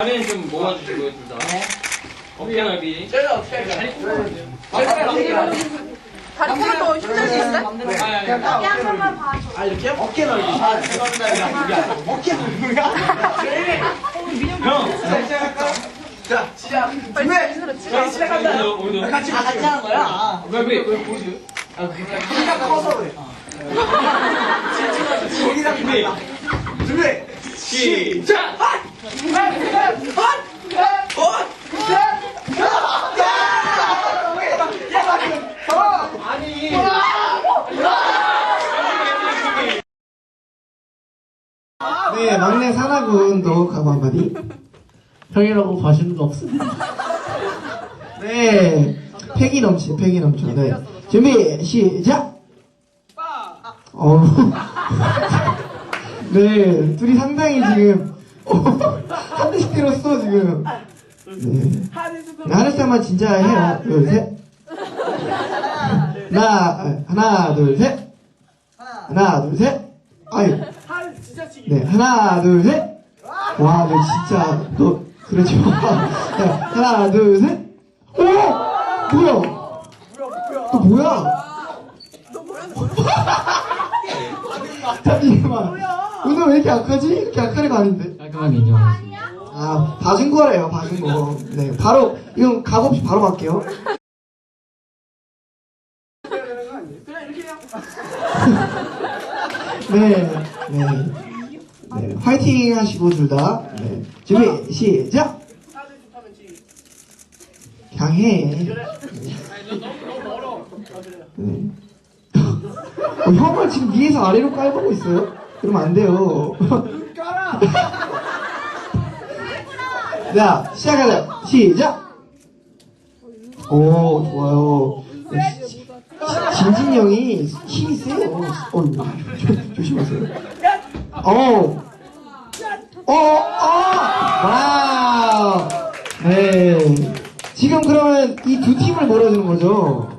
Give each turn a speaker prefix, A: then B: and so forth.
A: 다리는 좀 모아주시고요, 둘 다. 네. 어깨 넓이.
B: 쟤는 어떻게 할까요?
C: 다리 하나 더 힘들 수 있어요?
B: 어깨 한 번만 봐줘. 아, 이렇게? 어깨 넓이. 아, 죄송합니다. 어깨 넓이야?
A: 형!
B: 자, 시작. 준비! 자, 시작한다.
A: 오늘도.
B: 같이 하는 거야.
A: 왜 보세요?
B: 키가 커서 그래. 거기랑 달라. 준비! 시작! 아니.
D: 네, 막내 사나군도 각오 한마디.
E: 형이라고 봐주는 거 없습니다.
D: 네, 패기 넘쳐. 네, 준비, 시작! 네, 둘이 상당히 지금, 한 대씩 때렸어, 지금. 네. 하늘사만 진짜 해요. 둘, 셋. 하나, 둘, 셋. 하나, 둘, 셋. 아유. 네, 하나, 둘, 셋. 와, 너 진짜, 너, 그러지 마. 자, 하나, 둘, 셋. 오! 뭐야? 너 뭐야? 잠시만. 오늘 왜 이렇게 약하지? 이렇게 약한 애가 아닌데.
E: 깔끔하게 인정하겠습니다.
D: 아, 봐준 거래요, 봐준 거. 네, 바로, 이건 각 없이 바로 갈게요. 네, 네, 화이팅 하시고, 둘 다. 네. 준비, 시작! 그냥 해. 네. 형을 지금 위에서 아래로 깔보고 있어요? 그러면 안 돼요. 자, 시작하자. 시작! 오, 좋아요. 진진이 형이 힘이 세요. 조심하세요. 와우. 네. 지금 그러면 이 두 팀을 몰아주는 거죠?